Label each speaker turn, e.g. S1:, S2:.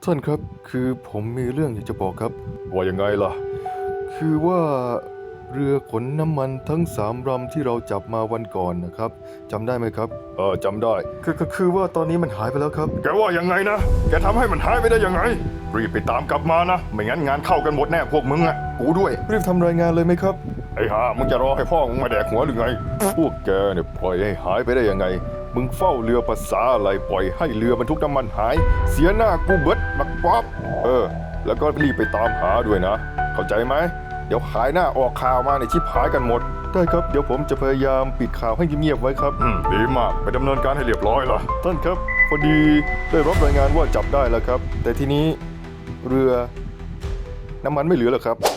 S1: ท่านครับคือผมมีเรื่องอยากจะบอกครับว่ายังไงล่ะคือว่าเรือขนน้ำมันทั้ง3 ลำที่เราจับมาวันก่อนนะครับจำได้ไหมครับจำได้คือว่าตอนนี้มันหายไปแล้วครับแกว่ายังไงนะแกทำให้มันหายไปได้ยังไงรีบไปตามกลับมานะไม่งั้นงานเข้ากันหมดแน่พวกมึงอ่ะกูด้วยรีบทำรายงานเลยไหมครับไอ้ห่ามึงจะรอให้พ่อมึงมาแดกหัวหรือไงพวกแกเนี่ยปล่อยให้หายไปได้ยังไงมึงเฝ้าเรือภาษาอะไรปล่อยให้เรือบรรทุกน้ำมันหายเสียหน้ากูเบิดบักป๊อบแล้วก็รีบไปตามหาด้วยนะเข้าใจไหมเดี๋ยวขายหน้าออกข่าวมาในชิบหายกันหมดได้ครับเดี๋ยวผมจะพยายามปิดข่าวให้เงียบๆไว้ครับดีมากไปดำเนินการให้เรียบร้อยล่ะท่านครับพอดีได้รับรายงานว่าจับได้แล้วครับแต่ทีนี้เรือน้ำมันไม่เหลือแล้วครับ